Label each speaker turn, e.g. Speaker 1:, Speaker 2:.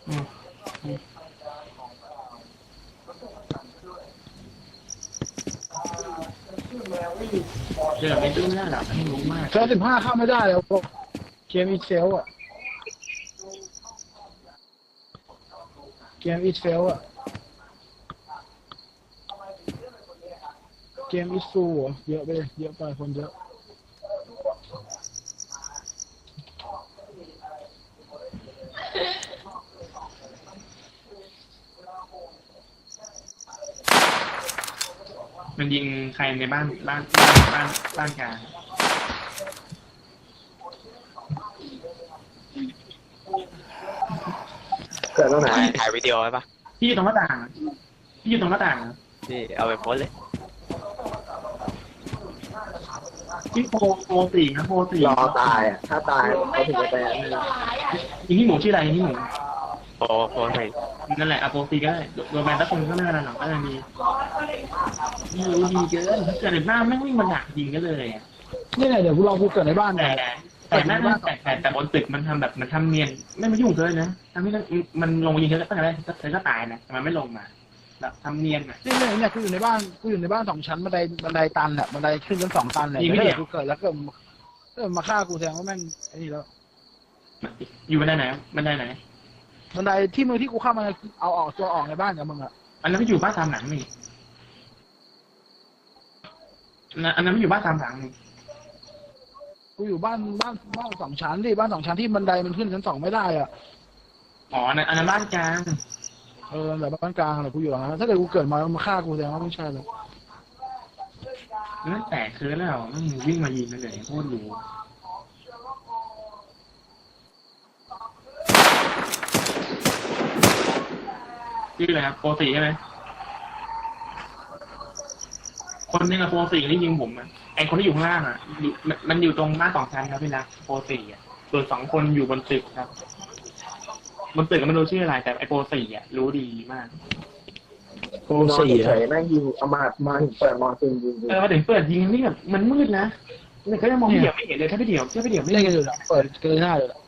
Speaker 1: อืมเดี๋ยวไม่รู้แล้วหรอกไม่รู้มาก
Speaker 2: เซล15เข้าไม่ได้แล้วเกมอีเซลอ่ะเกมอีเซลอ่ะเกมอีซูอ่ะเยอะไปเยอะไปคนเยอะ
Speaker 1: มันยิงใครในบ้านกลาง
Speaker 3: เกิดตรงไหน
Speaker 4: ถ่ายวิดีโอไว้ปะ
Speaker 1: พี่อยู่ตรงหน้าต่างพี่อยู่ตรงหน้าต่าง
Speaker 4: พี่เอาไปโพสเลย
Speaker 1: พี่โปรสี่นะโปรสี่
Speaker 3: รอตายอ่ะถ้าตายเขาถึงจะไปอันนั้น
Speaker 1: ยิงที่หมูชื่ออะไรยิงที่หมู
Speaker 4: โพสไป
Speaker 1: นั่นแหละอะโปรสี่ก็ได้โดนแบนตะคงก็ไม่เป็นไรหรอกก็ยังดีดีเกินถ้าเกิดหน้าไม่วิ่งมาหนักยิงก็เลยอะ
Speaker 2: นี่ไงเดี๋ยวกูลองกูเกิดในบ้าน
Speaker 1: แต่
Speaker 2: เนี่ย
Speaker 1: แต่หน้าแต่บนตึกมันทำแบบมันทำเนียนไม่มายุ่งเลยนะทำให้มันลงมายิงเธอตั้งแต่แรกเธอก็ตายนะแต่มันไม่ลงมาแบบทำเนียนอ่ะ
Speaker 2: เนี่ยกูอยู่ในบ้าน2 ชั้นบันไดตันแหละบันไดขึ้นกัน2 ตันแหละ
Speaker 1: ยิงไม่
Speaker 2: ถ้า
Speaker 1: เดี่
Speaker 2: เกิ
Speaker 1: ยว
Speaker 2: ดกูเกิดแล้วก็มาฆ่ากูแสดงว่าแม่งไอ้นี่แล้ว
Speaker 1: อยู่บันไดไหนบันไดไหน
Speaker 2: บันไดที่มือที่กูเข้ามาเอาออกตัวออกในบ้านกับมึงอ่ะ
Speaker 1: อันนั้นไม่อยู่บ้านตามหลังนี่อันนั้นไม่อยู่บ้านตามหลังนี่
Speaker 2: กูอยู่บ้าน2 ชั้นดิบ้าน2 ชั้นที่บันไดมันขึ้นชั้น 2ไม่ได้อ่ะ
Speaker 1: อ๋ออันนั้นบ้านกลาง
Speaker 2: แบบบ้านกลางแหละกูอยู่หลังนั้นถ้าเกิดกูเกิดมาฆ่ากูแสดงว่าไม่ใช่เลย
Speaker 1: นั่นแตกคือแล้ววิ่งมายิงเลยโคตรรู้ชื่ออะไรครับโปรสี่ใช่ไหมคนนึงอะโปรสี่ที่ยิงผมอะไอคนที่อยู่ข้างล่างอะมันอยู่ตรงบ้าน2 ชั้นครับพี่รักโปรสี่อะส่วน2 คนอยู่บนตึกครับบนตึกก็ไม่รู้ชื่ออะไรแต่ไอโปรสี่อะรู้ดีมาก
Speaker 3: โอ้สี่เฉยแม่งยิงเอามาถึงเปิดมอซินยิง
Speaker 1: มาถึงเปิดยิงนี่แบบมันมืดนะเนี่ยก็ยังมองไม่เห็นเลยถ้าพี่เดี่ยวไม่
Speaker 2: เล่นกันอยู่นะเปิดเกินหน้าเลย